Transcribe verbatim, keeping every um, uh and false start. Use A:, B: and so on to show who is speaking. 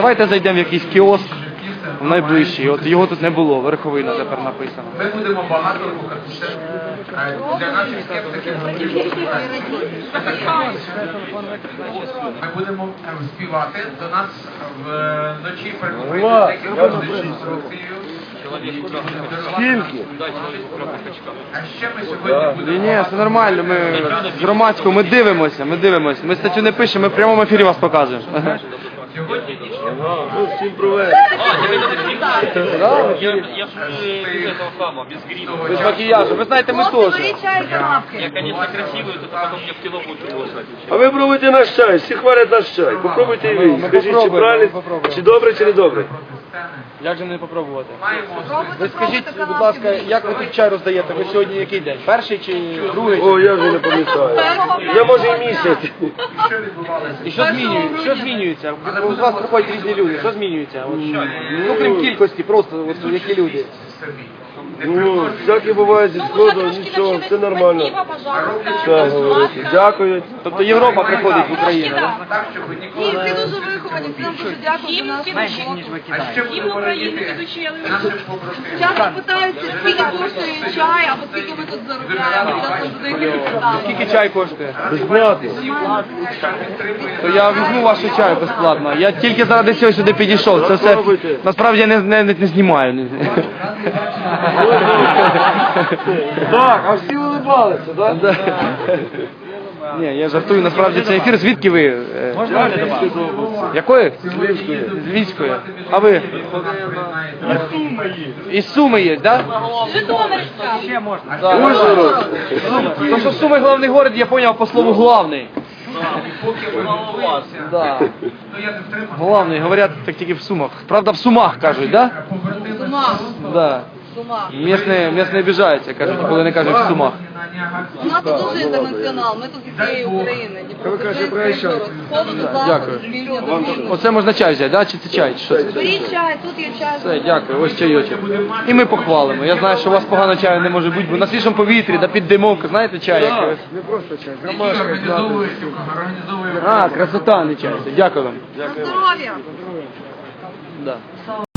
A: давайте зайдемо в якийсь кіоск в найближчий. От його тут не було, Верховина тепер написано.
B: Ми будемо багато рухатися. Для наших скептиків ми будемо співати. До нас вночі приходить декілька з інструкцією.
A: Скільки?
B: А ще ми сьогодні будемо...
A: Ні, ні, все нормально, ми з громадського, ми дивимося, ми дивимося. Ми статтю не пишемо, ми в прямому ефірі вас показуємо.
B: Сьогодні
A: Всім привет.
C: Я с этого хама, без грима.
A: Без макіяжу, ви знаєте, ми теж.
C: Я, конечно, красивый, то потом мне в кино будут приглашать.
D: А ви пробуйте наш чай, всі хвалять наш чай. Попробуйте і ви. Скажіть, чи правильно, чи добре, чи не добре.
A: Як же не попробувати? Ви скажіть, будь ласка, як ви тут чай роздаєте? Ви сьогодні який день? Перший чи другий?
D: О, я вже не пам'ятаю. Я може і місяць.
A: І що змінюється? Що змінюється? У вас приходять різні люди. Що змінюється? От, ну, крім кількості, просто от, які люди.
D: Ну, всяке буває зі сходу, нічого, все нормально. Так, говорите. Дякую.
A: Тобто Європа приходить в Україну, так?
B: Так, щоб ви
E: Ні,
B: ніколи...
E: всі дуже виховані, всім дуже дякую за нашу роботу.
B: А ще будемо радіти нашим побратимам.
E: Часто питаються, скільки коштує чай, або скільки ми тут заробляємо. Часто задають такі питання.
A: Скільки чай коштує?
D: Безплатно.
A: То я візьму вашу чаю безплатно. Я тільки заради цього сюди підійшов. Це все насправді я не, не, не, не знімаю.
D: Так, а всі улибалися, так?
A: Ні, я жартую, насправді це ефір. Звідки ви? Можна якої? З Львівської. З Львівської. А ви? Із Суми є, так?
E: Житомирська.
A: Ще можна. Ужгород. То що Суми головний город, я зрозумів по слову главний. Да. Главний, говорять так тільки в Сумах. Правда, в Сумах кажуть, так?
E: Сума.
A: Да?
E: Сума.
A: Місне, місне обіжаються, кажуть, коли не кажуть в Сумах.
E: У нас тут дуже інтернаціонал, ми тут з усієї України. Дніпропетровська, Ужгород, з сходу до заходу,
A: Дякую.
E: з півдня до півночі.
A: Оце можна чай взяти, да? Чи це чай? Чи що це?
E: Беріть чай, тут є чай.
A: Все, дякую, ось чайочок. І ми похвалимо. Я знаю, що у вас погано чаю не може бути, бо на свіжому повітрі, да під димовку, знаєте чай якийсь?
D: Не просто чай,
A: А, красота, не чай. Дякую вам.
E: На здоров'я.
A: Да.